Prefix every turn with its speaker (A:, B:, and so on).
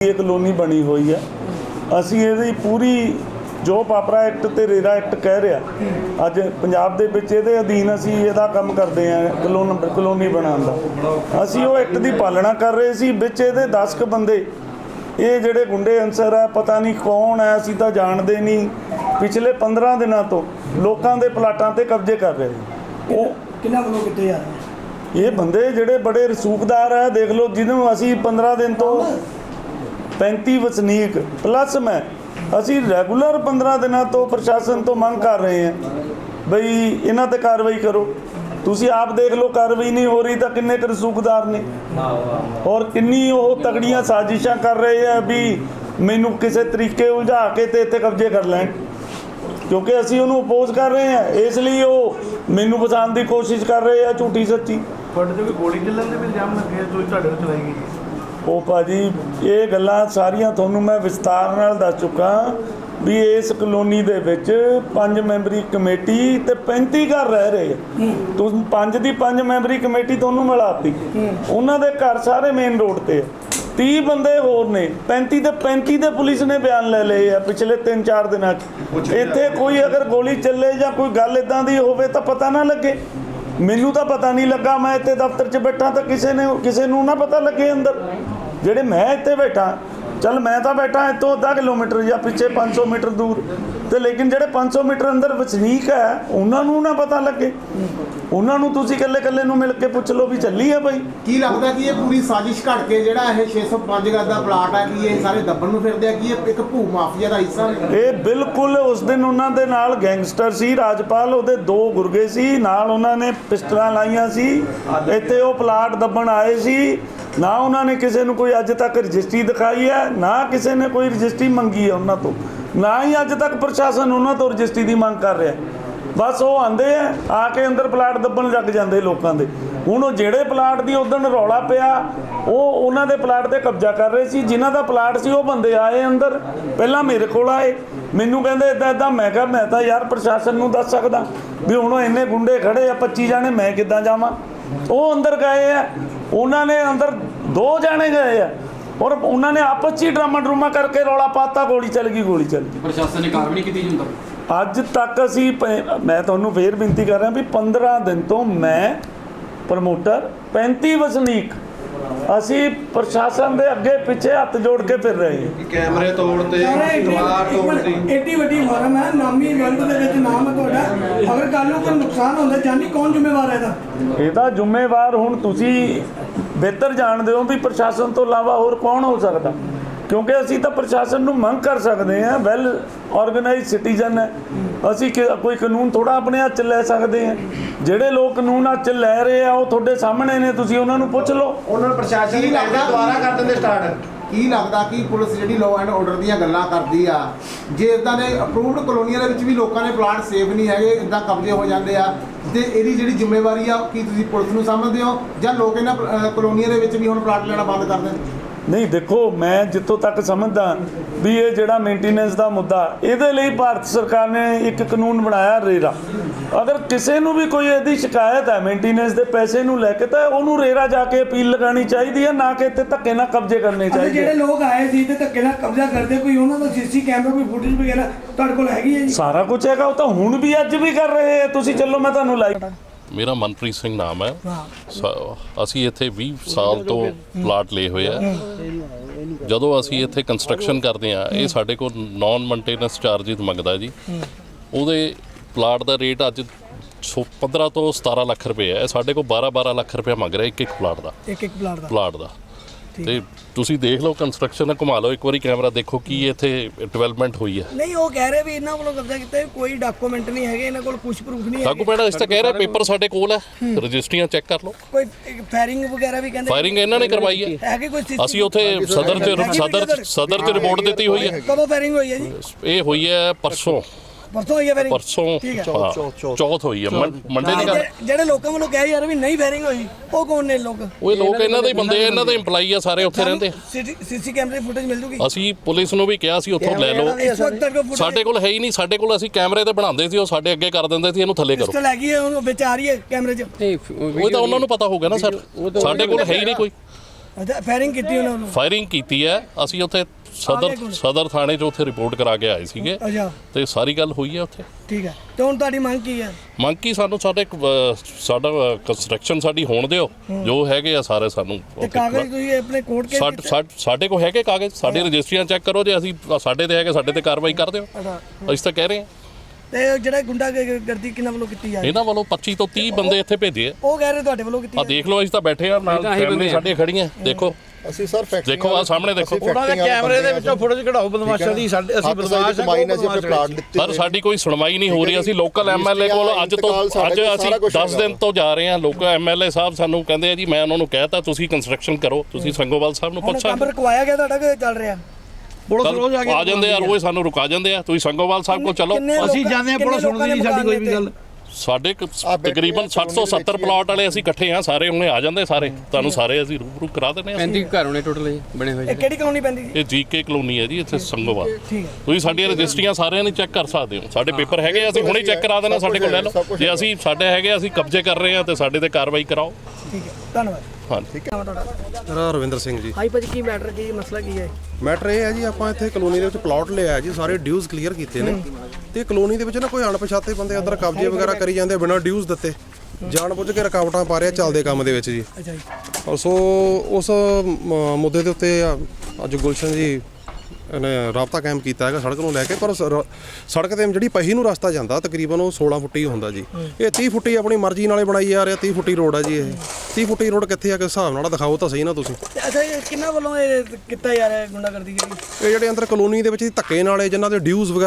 A: ये कलोनी बनी हुई है। ਅਸੀਂ ਇਹਦੀ ਪੂਰੀ ਜੋ ਪਾਪਰਾ ਐਕਟ ਤੇ ਰੇਰਾ ਐਕਟ ਕਹਿ ਰਿਹਾ ਅੱਜ ਪੰਜਾਬ ਦੇ ਵਿੱਚ ਇਹਦੇ ਅਧੀਨ ਅਸੀਂ ਇਹਦਾ ਕੰਮ ਕਰਦੇ ਹਾਂ ਕਲੋਨੀ ਬਣਾਉਣ ਦਾ। ਅਸੀਂ ਉਹ ਐਕਟ ਦੀ ਪਾਲਣਾ ਕਰ ਰਹੇ ਸੀ। ਵਿੱਚ ਇਹਦੇ 10 ਕੁ ਬੰਦੇ ਇਹ ਜਿਹੜੇ ਗੁੰਡੇ ਅਨਸਰ ਹੈ ਪਤਾ ਨਹੀਂ ਕੌਣ ਹੈ, ਅਸੀਂ ਤਾਂ ਜਾਣਦੇ ਨਹੀਂ, ਪਿਛਲੇ 15 ਦਿਨਾਂ ਤੋਂ ਲੋਕਾਂ ਦੇ ਪਲਾਟਾਂ ਤੇ ਕਬਜ਼ੇ ਕਰ ਰਹੇ। ਉਹ
B: ਕਿੰਨਾ ਵੱਲੋਂ ਕਿੱਥੇ ਜਾ ਰਹੇ
A: ਇਹ ਬੰਦੇ ਜਿਹੜੇ ਬੜੇ ਰਸੂਖਦਾਰ ਹੈ, ਦੇਖ ਲਓ, ਜਿਹਨੂੰ ਅਸੀਂ 15 ਦਿਨ ਤੋਂ 35 ਵਸਨੀਕ ਪਲੱਸ ਮੈਂ ਅਸੀਂ ਰੈਗੂਲਰ 15 ਦਿਨਾਂ ਤੋਂ ਪ੍ਰਸ਼ਾਸਨ ਤੋਂ ਮੰਗ ਕਰ ਰਹੇ ਹਾਂ ਬਈ ਇਹਨਾਂ ਤੇ ਕਾਰਵਾਈ ਕਰੋ। ਤੁਸੀਂ ਆਪ ਦੇਖ ਲਓ ਕਾਰਵਾਈ ਨਹੀਂ ਹੋ ਰਹੀ ਤਾਂ ਕਿੰਨੇ ਕੁ ਰਸੂਖਦਾਰ ਨੇ ਔਰ ਕਿੰਨੀ ਉਹ ਤਗੜੀਆਂ ਸਾਜ਼ਿਸ਼ਾਂ ਕਰ ਰਹੇ ਆ ਵੀ ਮੈਨੂੰ ਕਿਸੇ ਤਰੀਕੇ ਉਲਝਾ ਕੇ ਤੇ ਇੱਥੇ ਕਬਜ਼ੇ ਕਰ ਲੈਣ, ਕਿਉਂਕਿ ਅਸੀਂ ਉਹਨੂੰ ਅਪੋਜ਼ ਕਰ ਰਹੇ ਹਾਂ। ਇਸ ਲਈ ਉਹ ਮੈਨੂੰ ਬਚਾਉਣ ਦੀ ਕੋਸ਼ਿਸ਼ ਕਰ ਰਹੇ ਆ ਝੂਠੀ ਸੱਚੀ।
C: ਤੁਹਾਡੇ ਤੇ ਗੋਲੀ ਚੱਲਣ ਦੇ ਵੀ ਇਲਜ਼ਾਮ ਲੱਗੇ ਜੋ ਤੁਹਾਡੇ ਉੱਤੇ ਚਲਾਈ ਗਈ।
A: ਉਹ ਭਾਜੀ ਇਹ ਗੱਲਾਂ ਸਾਰੀਆਂ ਤੁਹਾਨੂੰ ਮੈਂ ਵਿਸਤਾਰ ਨਾਲ ਦੱਸ ਚੁੱਕਾ ਵੀ ਇਸ ਕਲੋਨੀ ਦੇ ਵਿੱਚ 5 ਮੈਂਬਰੀ ਕਮੇਟੀ ਤੇ 35 ਘਰ ਰਹਿ ਰਹੇ ਆ। ਤੁਸੀਂ 5 ਮੈਂਬਰੀ ਕਮੇਟੀ ਤੁਹਾਨੂੰ ਮਿਲਾਤੀ, ਉਹਨਾਂ ਦੇ ਘਰ ਸਾਰੇ ਮੇਨ ਰੋਡ ਤੇ ਆ। 30 ਬੰਦੇ ਹੋਰ ਨੇ, 35 ਦੇ ਪੁਲਿਸ ਨੇ ਬਿਆਨ ਲੈ ਲਏ ਆ ਪਿਛਲੇ 3-4 ਦਿਨਾਂ 'ਚ। ਇੱਥੇ ਕੋਈ ਅਗਰ ਗੋਲੀ ਚੱਲੇ ਜਾਂ ਕੋਈ ਗੱਲ ਇੱਦਾਂ ਦੀ ਹੋਵੇ ਤਾਂ ਪਤਾ ਨਾ ਲੱਗੇ। ਮੈਨੂੰ ਤਾਂ ਪਤਾ ਨਹੀਂ ਲੱਗਾ, ਮੈਂ ਇੱਥੇ ਦਫ਼ਤਰ 'ਚ ਬੈਠਾ ਤਾਂ ਕਿਸੇ ਨੂੰ ਨਾ ਪਤਾ ਲੱਗੇ ਅੰਦਰ। ਜਿਹੜੇ ਮੈਂ ਇੱਥੇ ਬੈਠਾ, ਚੱਲ ਮੈਂ ਤਾਂ ਬੈਠਾ ਇੱਥੋਂ ਅੱਧਾ ਕਿਲੋਮੀਟਰ ਜਾਂ ਪਿੱਛੇ 500 ਮੀਟਰ ਦੂਰ, ਤੇ ਲੇਕਿਨ ਜਿਹੜੇ 500 ਮੀਟਰ ਅੰਦਰ ਵਸਨੀਕ ਹੈ ਉਹਨਾਂ ਨੂੰ ਨਾ ਪਤਾ ਲੱਗੇ। ਉਹਨਾਂ ਨੂੰ ਤੁਸੀਂ ਇਕੱਲੇ ਨੂੰ ਮਿਲ ਕੇ ਪੁੱਛ ਲਓ ਵੀ ਚੱਲੀ ਹੈ ਬਾਈ।
D: ਕੀ ਲੱਗਦਾ ਕਿ ਇਹ ਪੂਰੀ ਸਾਜ਼ਿਸ਼ ਘੜ ਕੇ ਜਿਹੜਾ ਇਹ 605 ਗਜ਼ ਦਾ ਪਲਾਟ ਹੈ ਕਿ ਇਹ ਸਾਰੇ ਦੱਬਣ ਨੂੰ ਫਿਰਦੇ ਆ ਕਿ ਇਹ ਇੱਕ ਭੂ ਮਾਫੀਆ ਦਾ ਹਿੱਸਾ ਨੇ?
A: ਇਹ ਬਿਲਕੁਲ ਉਸ ਦਿਨ ਉਹਨਾਂ ਦੇ ਨਾਲ ਗੈਂਗਸਟਰ ਸੀ, ਰਾਜਪਾਲ ਉਹਦੇ 2 ਗੁਰਗੇ ਸੀ ਨਾਲ, ਉਹਨਾਂ ਨੇ ਪਿਸਟਲਾਂ ਲਾਈਆਂ ਸੀ, ਇੱਥੇ ਉਹ ਪਲਾਟ ਦੱਬਣ ਆਏ ਸੀ। ਨਾ ਉਹਨਾਂ ਨੇ ਕਿਸੇ ਨੂੰ ਕੋਈ ਅੱਜ ਤੱਕ ਰਜਿਸਟਰੀ ਦਿਖਾਈ ਹੈ, ਨਾ ਕਿਸੇ ਨੇ ਕੋਈ ਰਜਿਸਟਰੀ ਮੰਗੀ ਹੈ ਉਹਨਾਂ ਤੋਂ, ਨਾ ਹੀ ਅੱਜ ਤੱਕ ਪ੍ਰਸ਼ਾਸਨ ਉਹਨਾਂ ਤੋਂ ਰਜਿਸਟਰੀ ਦੀ ਮੰਗ ਕਰ ਰਿਹਾ। ਬਸ ਉਹ ਆਉਂਦੇ ਆ ਕੇ ਅੰਦਰ ਪਲਾਟ ਦੱਬਣ ਲੱਗ ਜਾਂਦੇ ਲੋਕਾਂ ਦੇ। ਹੁਣ ਉਹ ਜਿਹੜੇ ਪਲਾਟ ਦੀ ਉਦਣ ਰੌਲਾ ਪਿਆ ਉਹ ਉਹਨਾਂ ਦੇ ਪਲਾਟ ਤੇ ਕਬਜ਼ਾ ਕਰ ਰਹੇ ਸੀ। ਜਿਨ੍ਹਾਂ ਦਾ ਪਲਾਟ ਸੀ ਉਹ ਬੰਦੇ ਆਏ ਅੰਦਰ, ਪਹਿਲਾਂ ਮੇਰੇ ਕੋਲ ਆਏ, ਮੈਨੂੰ ਕਹਿੰਦੇ ਇੱਦਾਂ। ਮੈਂ ਕਿਹਾ ਮੈਂ ਤਾਂ ਯਾਰ ਪ੍ਰਸ਼ਾਸਨ ਨੂੰ ਦੱਸ ਸਕਦਾ ਵੀ ਹੁਣ ਇੰਨੇ ਗੁੰਡੇ ਖੜੇ ਆ 25 ਜਾਣੇ, ਮੈਂ ਕਿੱਦਾਂ ਜਾਵਾਂ। ਉਹ ਅੰਦਰ ਗਏ ਆ, ਉਹਨਾਂ ਨੇ ਅੰਦਰ 2 ਜਾਣੇ ਗਏ ਆ ਔਰ ਉਹਨਾਂ ਨੇ ਆਪਸ 'ਚ ਹੀ ਡਰਾਮਾ ਕਰਕੇ ਰੌਲਾ ਪਾਤਾ, ਗੋਲੀ ਚੱਲ ਗਈ।
E: ਪ੍ਰਸ਼ਾਸਨ ਨੇ ਕਾਰਵਾਈ ਨਹੀਂ ਕੀਤੀ ਜਾਂਦਾ
A: ਅੱਜ ਤੱਕ। ਅਸੀਂ ਮੈਂ ਤੁਹਾਨੂੰ ਫੇਰ ਬੇਨਤੀ ਕਰ ਰਿਹਾ ਵੀ 15 ਦਿਨ ਤੋਂ ਮੈਂ ਪ੍ਰਮੋਟਰ 35 ਵਸਨੀਕ ਅਸੀਂ ਪ੍ਰਸ਼ਾਸਨ ਦੇ ਅੱਗੇ ਪਿੱਛੇ ਹੱਥ ਜੋੜ ਕੇ ਫਿਰ ਰਹੇ ਹਾਂ।
C: ਕੈਮਰੇ ਤੋੜਤੇ, ਦੀਵਾਰ ਤੋੜਤੀ।
B: ਏਡੀ ਵੱਡੀ ਫਾਰਮ ਹੈ, ਨਾਮੀ ਵਰਲਡ ਦੇ ਵਿੱਚ ਨਾਮ ਹੈ ਤੁਹਾਡਾ। ਅਗਰ ਕੱਲ ਨੂੰ ਕੋਈ ਨੁਕਸਾਨ ਹੁੰਦਾ ਜਾਨੀ ਕੌਣ ਜ਼ਿੰਮੇਵਾਰ ਹੈ ਇਹਦਾ?
A: ਇਹਦਾ ਜ਼ਿੰਮੇਵਾਰ ਹੁਣ ਤੁਸੀਂ ਬਿਹਤਰ ਜਾਣਦੇ ਹੋ ਵੀ ਪ੍ਰਸ਼ਾਸਨ ਤੋਂ ਇਲਾਵਾ ਹੋਰ ਕੌਣ ਹੋ ਸਕਦਾ, ਕਿਉਂਕਿ ਅਸੀਂ ਤਾਂ ਪ੍ਰਸ਼ਾਸਨ ਨੂੰ ਮੰਗ ਕਰ ਸਕਦੇ ਹਾਂ। ਵੈਲ ਆਰਗੇਨਾਈਜ਼ ਸਿਟੀਜ਼ਨ ਹੈ ਅਸੀਂ, ਕੋਈ ਕਾਨੂੰਨ ਥੋੜਾ ਆਪਣੇ ਹੱਥ 'ਚ ਲੈ ਸਕਦੇ ਹਾਂ। ਜਿਹੜੇ ਲੋਕ ਕਾਨੂੰਨ ਹੱਥ 'ਚ ਲੈ ਰਹੇ ਆ ਉਹ ਤੁਹਾਡੇ ਸਾਹਮਣੇ ਨੇ, ਤੁਸੀਂ ਉਹਨਾਂ ਨੂੰ ਪੁੱਛ ਲਓ।
D: ਉਹਨਾਂ ਨੂੰ ਪ੍ਰਸ਼ਾਸਨ ਹੀ ਲੱਗਦਾ ਦੁਬਾਰਾ ਕਰ ਦਿੰਦੇ ਸਟਾਰਟ। ਕੀ ਲੱਗਦਾ ਕਿ ਪੁਲਿਸ ਜਿਹੜੀ ਲਾਅ ਐਂਡ ਆਰਡਰ ਦੀਆਂ ਗੱਲਾਂ ਕਰਦੀ ਆ, ਜੇ ਇਦਾਂ ਦੇ ਅਪਰੂਵਡ ਕਲੋਨੀਆਂ ਦੇ ਵਿੱਚ ਵੀ ਲੋਕਾਂ ਦੇ ਪਲਾਟ ਸੇਫ ਨਹੀਂ ਹੈਗੇ, ਇਦਾਂ ਕਬਜ਼ੇ ਹੋ ਜਾਂਦੇ ਆ, ਤੇ ਇਹਦੀ ਜਿਹੜੀ ਜ਼ਿੰਮੇਵਾਰੀ ਆ ਕੀ ਤੁਸੀਂ ਪੁਲਿਸ ਨੂੰ ਸਮਝਦੇ ਹੋ ਜਾਂ ਲੋਕ ਇਹਨਾਂ ਕਲੋਨੀਆਂ ਦੇ ਵਿੱਚ ਵੀ ਹੁਣ ਪਲਾਟ ਲੈਣਾ ਬੰਦ ਕਰ ਦੇਣ?
A: ਨਹੀਂ ਦੇਖੋ, ਮੈਂ ਜਿੱਥੋਂ ਤੱਕ ਸਮਝਦਾ ਵੀ ਇਹ ਜਿਹੜਾ ਮੇਨਟੇਨੈਂਸ ਦਾ ਮੁੱਦਾ, ਇਹਦੇ ਲਈ ਭਾਰਤ ਸਰਕਾਰ ਨੇ ਇੱਕ ਕਾਨੂੰਨ ਬਣਾਇਆ ਰੇਰਾ। ਅਗਰ ਕਿਸੇ ਨੂੰ ਵੀ ਕੋਈ ਇਹਦੀ ਸ਼ਿਕਾਇਤ ਹੈ ਮੇਨਟੇਨੈਂਸ ਦੇ ਪੈਸੇ ਨੂੰ ਲੈ ਕੇ ਤਾਂ ਉਹਨੂੰ ਰੇਰਾ ਜਾ ਕੇ ਅਪੀਲ ਲਗਾਉਣੀ ਚਾਹੀਦੀ ਹੈ, ਨਾ ਕਿ ਇੱਥੇ ਧੱਕੇ ਨਾਲ ਕਬਜ਼ੇ ਕਰਨੇ ਚਾਹੀਦੇ।
B: ਜਿਹੜੇ ਲੋਕ ਆਏ ਸੀ ਤੇ ਧੱਕੇ ਨਾਲ ਕਬਜ਼ਾ ਕਰਦੇ, ਕੋਈ ਉਹਨਾਂ ਦਾ ਸੀਸੀ ਕੈਮਰਾ ਕੋਈ ਫੁਟੇਜ ਵਗੈਰਾ ਤੁਹਾਡੇ ਕੋਲ ਹੈਗੀ ਹੈ ਜੀ?
A: ਸਾਰਾ ਕੁਝ ਹੈਗਾ, ਉਹ ਤਾਂ ਹੁਣ ਵੀ ਅੱਜ ਵੀ ਕਰ ਰਹੇ ਆ। ਤੁਸੀਂ ਚੱਲੋ ਮੈਂ ਤੁਹਾਨੂੰ ਲਾਈਵ।
F: ਮੇਰਾ ਮਨਪ੍ਰੀਤ ਸਿੰਘ ਨਾਮ ਹੈ। ਅਸੀਂ ਇੱਥੇ 20 ਸਾਲ ਤੋਂ ਪਲਾਟ ਲਏ ਹੋਏ ਆ। ਜਦੋਂ ਅਸੀਂ ਇੱਥੇ ਕੰਸਟਰਕਸ਼ਨ ਕਰਦੇ ਆ ਇਹ ਸਾਡੇ ਕੋਲ ਨਾਨ ਮੇਨਟੇਨੈਂਸ ਚਾਰਜਿਸ ਮੰਗਦਾ ਜੀ। ਉਹਦੇ ਪਲਾਟ ਦਾ ਰੇਟ ਅੱਜ 15 ਤੋਂ 17 ਲੱਖ ਰੁਪਏ ਹੈ। ਸਾਡੇ ਕੋਲ 12 ਲੱਖ ਰੁਪਏ ਮੰਗ ਰਿਹਾ ਇੱਕ ਪਲਾਟ ਦਾ।
B: ਇੱਕ
F: ਪਲਾਟ ਦਾ ਤੇ ਤੁਸੀਂ ਦੇਖ ਲਓ ਕੰਸਟਰਕਸ਼ਨ ਦਾ, ਘੁਮਾ ਲਓ ਇੱਕ ਵਾਰੀ ਕੈਮਰਾ, ਦੇਖੋ ਕੀ ਇੱਥੇ ਡਿਵੈਲਪਮੈਂਟ ਹੋਈ ਹੈ।
B: ਨਹੀਂ ਉਹ ਕਹਿ ਰਹੇ ਵੀ ਇਹਨਾਂ ਵੱਲੋਂ ਕਬਜ਼ਾ ਕੀਤਾ, ਕੋਈ ਡਾਕੂਮੈਂਟ ਨਹੀਂ ਹੈਗੇ ਇਹਨਾਂ ਕੋਲ, ਕੁਝ ਪ੍ਰੂਫ ਨਹੀਂ ਹੈ।
F: ਡਾਕੂਮੈਂਟ ਇਸ ਤਾਂ ਕਹਿ ਰਿਹਾ ਪੇਪਰ ਸਾਡੇ ਕੋਲ ਹੈ, ਰਜਿਸਟਰੀਆਂ ਚੈੱਕ ਕਰ ਲਓ।
B: ਕੋਈ ਫਾਇਰਿੰਗ ਵਗੈਰਾ ਵੀ ਕਹਿੰਦੇ?
F: ਫਾਇਰਿੰਗ ਇਹਨਾਂ ਨੇ ਕਰਵਾਈ ਹੈ। ਅਸੀਂ ਉੱਥੇ ਸਦਰ 'ਚ ਰਿਪੋਰਟ ਦਿੱਤੀ ਹੋਈ ਹੈ।
B: ਕਦੋਂ ਫਾਇਰਿੰਗ ਹੋਈ ਹੈ ਜੀ? ਇਹ
F: ਹੋਈ ਹੈ ਪਰਸੋਂ
B: ਹੋਈ ਹੈ ਫਾਇਰਿੰਗ?
F: ਪਰਸੋਂ ਚੌਥ ਹੋਈ ਹੈ, ਮੰਡੇ ਦੀ ਗੱਲ।
B: ਜਿਹੜੇ ਲੋਕਾਂ ਵੱਲੋਂ ਕਿਹਾ ਯਾਰ ਵੀ ਨਹੀਂ ਫਾਇਰਿੰਗ ਹੋਈ, ਉਹ ਕੌਣ ਨੇ ਲੋਕ?
F: ਉਹ ਲੋਕ ਇਹਨਾਂ ਦੇ ਹੀ ਬੰਦੇ ਆ, ਇਹਨਾਂ ਦੇ EMPLOYEE ਆ, ਸਾਰੇ ਉੱਥੇ ਰਹਿੰਦੇ।
B: ਸੀਸੀ ਕੈਮਰੇ ਫੁਟੇਜ ਮਿਲ ਜੂਗੀ?
F: ਅਸੀਂ ਪੁਲਿਸ ਨੂੰ ਵੀ ਕਿਹਾ ਸੀ ਉੱਥੋਂ ਲੈ ਲਓ, ਸਾਡੇ ਕੋਲ ਹੈ ਹੀ ਨਹੀਂ। ਸਾਡੇ ਕੋਲ ਅਸੀਂ ਕੈਮਰੇ ਤੇ ਬਣਾਉਂਦੇ ਸੀ, ਉਹ ਸਾਡੇ ਅੱਗੇ ਕਰ ਦਿੰਦੇ ਸੀ ਇਹਨੂੰ ਥੱਲੇ ਕਰੋ।
B: ਪਿਸਟਲ ਹੈਗੀ ਹੈ, ਉਹ ਵਿੱਚ ਆ ਰਹੀ ਹੈ ਕੈਮਰੇ 'ਚ?
F: ਉਹ ਤਾਂ ਉਹਨਾਂ ਨੂੰ ਪਤਾ ਹੋਊਗਾ ਨਾ ਸਰ, ਸਾਡੇ ਕੋਲ ਹੈ ਹੀ ਨਹੀਂ ਕੋਈ।
B: ਅੱਛਾ ਫਾਇਰਿੰਗ ਕੀਤੀ ਉਹਨਾਂ ਨੂੰ?
F: ਫਾਇਰਿੰਗ ਕੀਤੀ ਹੈ। ਅਸੀਂ ਉੱਥੇ ਸਦਰ ਥਾਣੇ 'ਚ ਉੱਥੇ ਰਿਪੋਰਟ ਕਰਾ ਕੇ ਆਏ ਸੀਗੇ
B: ਅੱਛਾ
F: ਤੇ ਸਾਰੀ ਗੱਲ ਹੋਈ ਹੈ ਉੱਥੇ।
B: ਠੀਕ ਹੈ, ਤੇ ਹੁਣ ਤੁਹਾਡੀ ਮੰਗ ਕੀ ਹੈ?
F: ਮੰਗ ਕੀ, ਸਾਨੂੰ ਸਾਡਾ ਕੰਸਟਰਕਸ਼ਨ ਸਾਡੀ ਹੋਣ ਦਿਓ, ਜੋ ਹੈਗੇ ਆ ਸਾਰੇ ਸਾਨੂੰ
B: ਤੇ ਕਾਗਜ਼ ਤੁਸੀਂ ਆਪਣੇ ਕੋਰਟ ਕੇ
F: ਸਾਡੇ ਕੋਲ ਹੈਗੇ ਕਾਗਜ਼, ਸਾਡੀ ਰਜਿਸਟਰੀਆਂ ਚੈੱਕ ਕਰੋ, ਜੇ ਅਸੀਂ ਸਾਡੇ ਤੇ ਹੈਗੇ ਸਾਡੇ ਤੇ ਕਾਰਵਾਈ ਕਰ ਦਿਓ। ਅਸੀਂ ਤਾਂ ਕਹਿ ਰਹੇ ਹਾਂ।
B: ਤੇ ਜਿਹੜਾ ਗੁੰਡਾਗਰਦੀ ਕਿਹਨਾਂ ਵੱਲੋਂ ਕੀਤੀ ਜਾ ਰਹੀ?
F: ਇਹਨਾਂ ਵੱਲੋਂ 25 ਤੋਂ 30 ਬੰਦੇ ਇੱਥੇ ਭੇਜੇ ਆ।
B: ਉਹ ਕਹਿ ਰਹੇ ਤੁਹਾਡੇ ਵੱਲੋਂ ਕੀਤੀ
F: ਆ ਦੇਖ ਲਓ, ਅਸੀਂ ਤਾਂ ਬੈਠੇ ਆ ਨਾਲ, ਫੈਮਿਲੀ ਸਾਡੀਆਂ ਖੜੀਆਂ, ਦੇਖੋ
G: ਅਸੀਂ ਸਰ ਫੈਕਟਰੀ
F: ਦੇਖੋ ਆ ਸਾਹਮਣੇ ਦੇਖੋ।
C: ਉਹਨਾਂ ਦੇ ਕੈਮਰੇ ਦੇ ਵਿੱਚੋਂ ਫੁਟੇਜ ਕਢਾਓ ਬਦਮਾਸ਼ਾਂ ਦੀ। ਅਸੀਂ ਬਦਮਾਸ਼
F: ਸਰ ਸਾਡੀ ਕੋਈ ਸੁਣਵਾਈ ਨਹੀਂ ਹੋ ਰਹੀ। ਅਸੀਂ ਲੋਕਲ ਐਮਐਲਏ ਕੋਲ ਅੱਜ ਅਸੀਂ 10 ਦਿਨ ਤੋਂ ਜਾ ਰਹੇ ਹਾਂ। ਲੋਕਲ ਐਮਐਲਏ ਸਾਹਿਬ ਸਾਨੂੰ ਕਹਿੰਦੇ ਆ ਜੀ, ਮੈਂ ਉਹਨਾਂ ਨੂੰ ਕਹਿਤਾ ਤੁਸੀਂ ਕੰਸਟਰਕਸ਼ਨ ਕਰੋ, ਤੁਸੀਂ ਸੰਗੋਵਾਲ ਸਾਹਿਬ ਨੂੰ ਪੁੱਛ
B: ਕੰਮ
F: ਸਕਦੇ।
B: ਰੁਕਵਾਇਆ ਗਿਆ ਤੁਹਾਡਾ ਕਿ ਚੱਲ ਰਿਹਾ?
C: ਪੁਲਿਸ ਰੋਜ਼
F: ਆ ਜਾਂਦੇ ਆ, ਰੋਜ਼ ਸਾਨੂੰ ਰੁਕਾ ਜਾਂਦੇ ਆ। ਤੁਸੀਂ ਸੰਗੋਵਾਲ ਸਾਹਿਬ ਕੋਲ ਚਲੋ।
C: ਅਸੀਂ ਜਾਂਦੇ ਆ, ਪੁਲਿਸ ਸੁਣਦੀ ਨਹੀਂ ਸਾਡੀ ਕੋਈ ਵੀ ਗੱਲ।
F: ਸਾਡੇ ਤਕਰੀਬਨ 770 ਪਲਾਟ ਵਾਲੇ ਅਸੀਂ ਇਕੱਠੇ ਆ ਸਾਰੇ, ਹੁਣੇ ਆ ਜਾਂਦੇ ਸਾਰੇ, ਤੁਹਾਨੂੰ ਸਾਰੇ ਅਸੀਂ ਰੂਬਰੂ ਕਰਾ ਦਿੰਦੇ ਆ।
E: 35 ਘਰ ਹੋਣੇ ਟੋਟਲ ਬਣੇ ਹੋਏ।
B: ਇਹ ਕਿਹੜੀ ਕਲੋਨੀ ਪੈਂਦੀ ਜੀ?
F: ਇਹ ਜੀਕੇ ਕਲੋਨੀ ਹੈ ਜੀ, ਇੱਥੇ ਸੰਗੋਵਾਲ।
B: ਠੀਕ ਹੈ,
F: ਤੁਸੀਂ ਸਾਡੀਆਂ ਰਜਿਸਟਰੀਆਂ ਸਾਰਿਆਂ ਨੇ ਚੈੱਕ ਕਰ ਸਕਦੇ ਹੋ। ਸਾਡੇ ਪੇਪਰ ਹੈਗੇ, ਅਸੀਂ ਹੁਣੇ ਚੈੱਕ ਕਰਾ ਦੇਣਾ, ਸਾਡੇ ਕੋਲ ਲੈ ਲਓ। ਜੇ ਅਸੀਂ ਸਾਡੇ ਹੈਗੇ, ਅਸੀਂ ਕਬਜ਼ੇ ਕਰ ਰਹੇ ਹਾਂ ਤੇ ਸਾਡੇ ਤੇ ਕਾਰਵਾਈ ਕਰਾਓ।
B: ਠੀਕ ਹੈ, ਧੰਨਵਾਦ।
F: ਹਾਂ
B: ਠੀਕ ਹੈ ਤੁਹਾਡਾ?
G: ਮੇਰਾ ਰਵਿੰਦਰ ਸਿੰਘ ਜੀ।
B: ਹਾਈ ਭਾਜੀ, ਕੀ ਮੈਟਰ, ਕੀ ਮਸਲਾ ਕੀ ਹੈ?
G: ਮੈਟਰ ਇਹ ਹੈ ਜੀ, ਆਪਾਂ ਇੱਥੇ ਕਲੋਨੀ ਦੇ ਵਿੱਚ ਪਲਾਟ ਲਿਆ ਜੀ, ਸਾਰੇ ਡਿਊਜ਼ ਕਲੀਅਰ ਕੀਤੇ ਨੇ ਤੇ ਕਲੋਨੀ ਦੇ ਵਿੱਚ ਨਾ ਕੋਈ ਅਣਪਛਾਤੇ ਬੰਦੇ ਅੰਦਰ ਕਬਜ਼ੇ ਵਗੈਰਾ ਕਰੀ ਜਾਂਦੇ ਬਿਨਾਂ ਡਿਊਜ਼ ਦਿੱਤੇ, ਜਾਣ ਬੁੱਝ ਕੇ ਰੁਕਾਵਟਾਂ ਪਾ ਰਿਹਾ ਚੱਲਦੇ ਕੰਮ ਦੇ ਵਿੱਚ ਜੀ।
B: ਅੱਛਾ ਜੀ।
G: ਸੋ ਉਸ ਮੁੱਦੇ ਦੇ ਉੱਤੇ ਅੱਜ ਗੁਲਸ਼ਨ ਜੀ ਨੇ ਰਾਬਤਾ ਕਾਇਮ ਕੀਤਾ ਹੈਗਾ ਸੜਕ ਨੂੰ ਲੈ ਕੇ। ਪਰ ਸੜਕ ਤੇ ਜਿਹੜੀ ਪਹੀ ਨੂੰ ਰਸਤਾ ਜਾਂਦਾ ਤਕਰੀਬਨ ਉਹ 16 ਫੁੱਟੀ ਹੁੰਦਾ ਜੀ। ਇਹ 30 ਫੁੱਟੀ ਆਪਣੀ ਮਰਜ਼ੀ ਨਾਲੇ ਬਣਾਈ ਜਾ ਰਿਹਾ। 30 ਫੁੱਟੀ ਰੋਡ ਆ ਜੀ। ਇਹ 30 ਫੁੱਟੀ ਰੋਡ ਕਿੱਥੇ ਆ ਕਿਸ ਹਿਸਾਬ ਨਾਲ ਦਿਖਾਓ ਤਾਂ ਸਹੀ ਨਾ ਤੁਸੀਂ।
B: ਅੱਛਾ, ਇਹ ਕਿੰਨਾਂ ਵੱਲੋਂ ਇਹ ਕੀਤਾ ਜਾ ਰਿਹਾ ਗੁੰਡਾਗਰਦੀ ਜਿਹੜੀ?
G: ਇਹ ਜਿਹੜੇ ਅੰਦਰ ਕਲੋਨੀ ਦੇ ਵਿੱਚ ਧੱਕੇ ਨਾਲੇ ਜਿਨ੍ਹਾਂ ਦੇ ਡਿਊਜ਼ ਵਗੈਰਾ